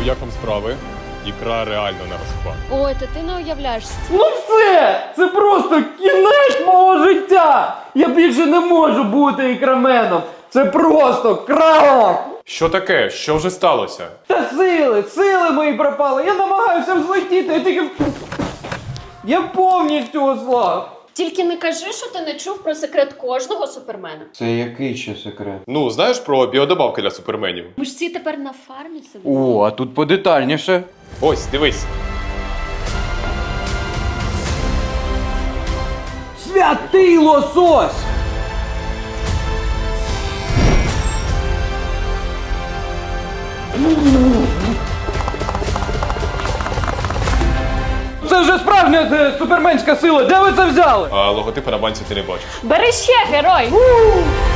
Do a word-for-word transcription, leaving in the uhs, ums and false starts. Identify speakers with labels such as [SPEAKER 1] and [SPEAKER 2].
[SPEAKER 1] як вам справи? Ікра реально на розпад.
[SPEAKER 2] Ой, то ти не уявляєш.
[SPEAKER 3] Ну все! Це просто кінець мого життя! Я більше не можу бути ікраменом! Це просто крах!
[SPEAKER 1] Що таке? Що вже сталося?
[SPEAKER 3] Та сили! Сили мої пропали! Я намагаюся взлетіти, я тільки... Я повністю ослаб!
[SPEAKER 2] Тільки не кажи, що ти не чув про секрет кожного супермена.
[SPEAKER 3] Це який ще секрет?
[SPEAKER 1] Ну, знаєш про біодобавки для суперменів?
[SPEAKER 2] Ми ж всі тепер на фармі сидимо.
[SPEAKER 3] О, а тут подетальніше.
[SPEAKER 1] Ось, дивись.
[SPEAKER 3] Святий лосось! Це вже справжня е, суперменська сила! Де ви це взяли?
[SPEAKER 1] А логотипу на банці ти не бачиш.
[SPEAKER 2] Бери ще, герой!